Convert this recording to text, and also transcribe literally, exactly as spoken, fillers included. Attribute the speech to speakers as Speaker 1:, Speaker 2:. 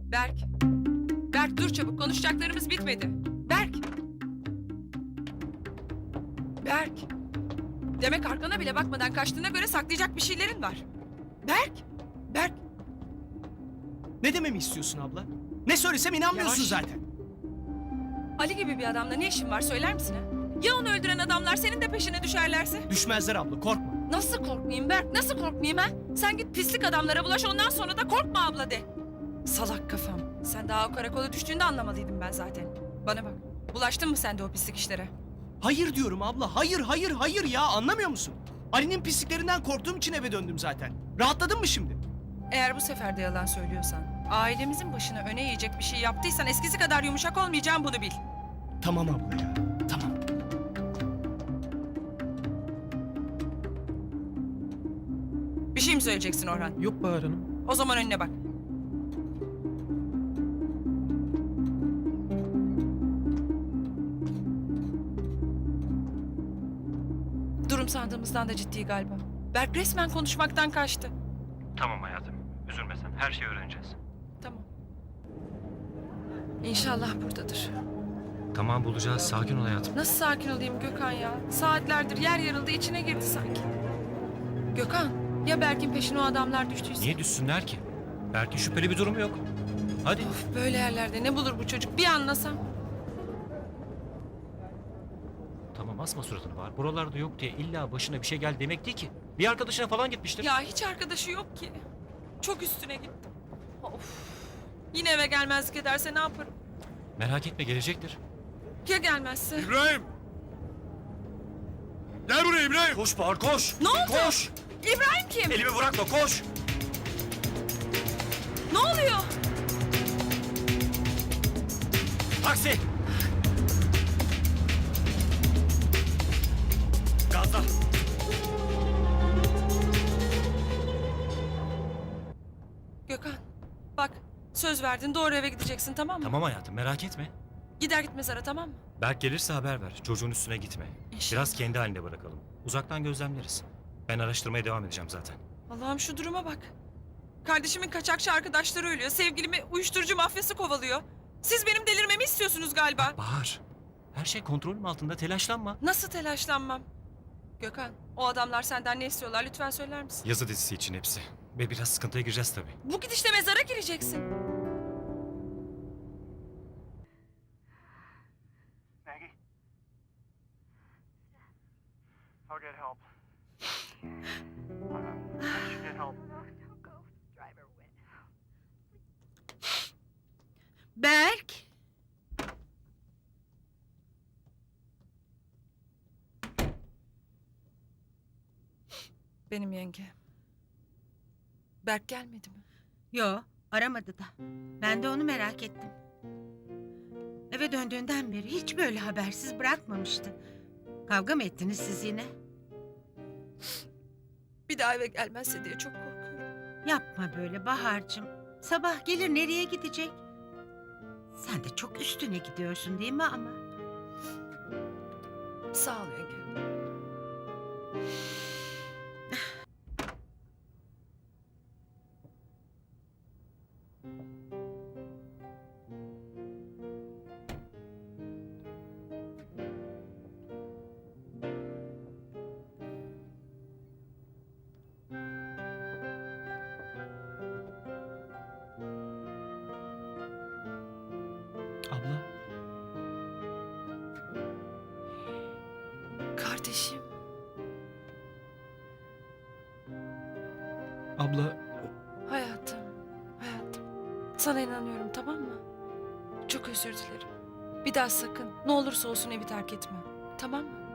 Speaker 1: Berk. Berk dur çabuk, konuşacaklarımız bitmedi. Berk. Berk. Demek arkana bile bakmadan kaçtığına göre saklayacak bir şeylerin var. Berk. Berk.
Speaker 2: Ne dememi istiyorsun abla? Ne söylesem inanmıyorsun
Speaker 1: Yavaş.
Speaker 2: zaten.
Speaker 1: Ali gibi bir adamla ne işin var söyler misin ha? Ya onu öldüren adamlar senin de peşine düşerlerse?
Speaker 2: Düşmezler abla, korkma.
Speaker 1: Nasıl korkmayayım Berk? Nasıl korkmayayım ha? Sen git pislik adamlara bulaş, ondan sonra da korkma abla de. Salak kafam. Sen daha o karakola düştüğünde anlamalıydım ben zaten. Bana bak. Bulaştın mı sen de o pislik işlere?
Speaker 2: Hayır diyorum abla, hayır hayır hayır ya, anlamıyor musun? Ali'nin pisliklerinden korktuğum için eve döndüm zaten. Rahatladın mı şimdi?
Speaker 1: Eğer bu sefer de yalan söylüyorsan, ailemizin başına öne yiyecek bir şey yaptıysan eskisi kadar yumuşak olmayacağım, bunu bil.
Speaker 2: Tamam abla ya, tamam.
Speaker 1: Bir şey mi söyleyeceksin Orhan?
Speaker 3: Yok Bahar Hanım.
Speaker 1: O zaman önüne bak. Durum sandığımızdan da ciddi galiba. Berk resmen konuşmaktan kaçtı.
Speaker 4: Tamam hayatım. Üzülme sen. Her şeyi öğreneceğiz.
Speaker 1: Tamam. İnşallah buradadır.
Speaker 4: Tamam bulacağız. Sakin ol hayatım.
Speaker 1: Nasıl sakin olayım Gökhan ya? Saatlerdir yer yarıldı, içine girdi sanki. Gökhan, ya Berk'in peşine o adamlar düştüyse?
Speaker 4: Niye düşsünler ki? Belki şüpheli bir durum yok. Hadi.
Speaker 1: Of, böyle yerlerde ne bulur bu çocuk? Bir anlasam.
Speaker 4: Tamam asma suratını Bahar. Buralarda yok diye illa başına bir şey geldi demek değil ki. Bir arkadaşına falan gitmiştir.
Speaker 1: Ya hiç arkadaşı yok ki. Çok üstüne gittim. Of. Yine eve gelmezlik ederse ne yaparım?
Speaker 4: Merak etme gelecektir.
Speaker 1: Ya gelmezse?
Speaker 5: İbrahim! Gel buraya İbrahim!
Speaker 4: Koş Bahar koş.
Speaker 1: Ne oldu?
Speaker 4: Koş.
Speaker 1: İbrahim kim?
Speaker 4: Elimi bırakma koş.
Speaker 1: Ne oluyor?
Speaker 4: Taksi. Gazla.
Speaker 1: Gökhan, bak söz verdin, doğru eve gideceksin, tamam mı?
Speaker 4: Tamam hayatım merak etme.
Speaker 1: Gider gitmez ara, tamam mı?
Speaker 4: Berk gelirse haber ver. Çocuğun üstüne gitme.
Speaker 1: İnşallah.
Speaker 4: Biraz kendi halinde bırakalım. Uzaktan gözlemleriz. Ben araştırmaya devam edeceğim zaten.
Speaker 1: Allah'ım şu duruma bak. Kardeşimin kaçakçı arkadaşları ölüyor. Sevgilimi uyuşturucu mafyası kovalıyor. Siz benim delirmemi istiyorsunuz galiba.
Speaker 4: Bahar. Her şey kontrolüm altında telaşlanma.
Speaker 1: Nasıl telaşlanmam? Gökhan, o adamlar senden ne istiyorlar? Lütfen söyler misin?
Speaker 4: Yazı dizisi için hepsi. Ve biraz sıkıntıya gireceğiz tabii.
Speaker 1: Bu gidişle mezara gireceksin.
Speaker 6: Maggie? I'll get help. Uh, I should get help.
Speaker 7: Don't go. Driver went. Berk.
Speaker 1: Benim yenge. Berk gelmedi mi?
Speaker 7: Yo, aramadı da. Ben de onu merak ettim. Eve döndüğünden beri hiç böyle habersiz bırakmamıştı. Kavga mı ettiniz siz yine?
Speaker 1: Bir daha eve gelmezse diye çok korkuyorum.
Speaker 7: Yapma böyle Bahar'cığım. Sabah gelir nereye gidecek? Sen de çok üstüne gidiyorsun değil mi ama?
Speaker 1: Sağ ol yenge.
Speaker 2: Abla,
Speaker 1: Kardeşim.
Speaker 2: abla
Speaker 1: Hayatım, hayatım. Sana inanıyorum, tamam mı? Çok özür dilerim. Bir daha sakın, ne olursa olsun evi terk etme. Tamam mı?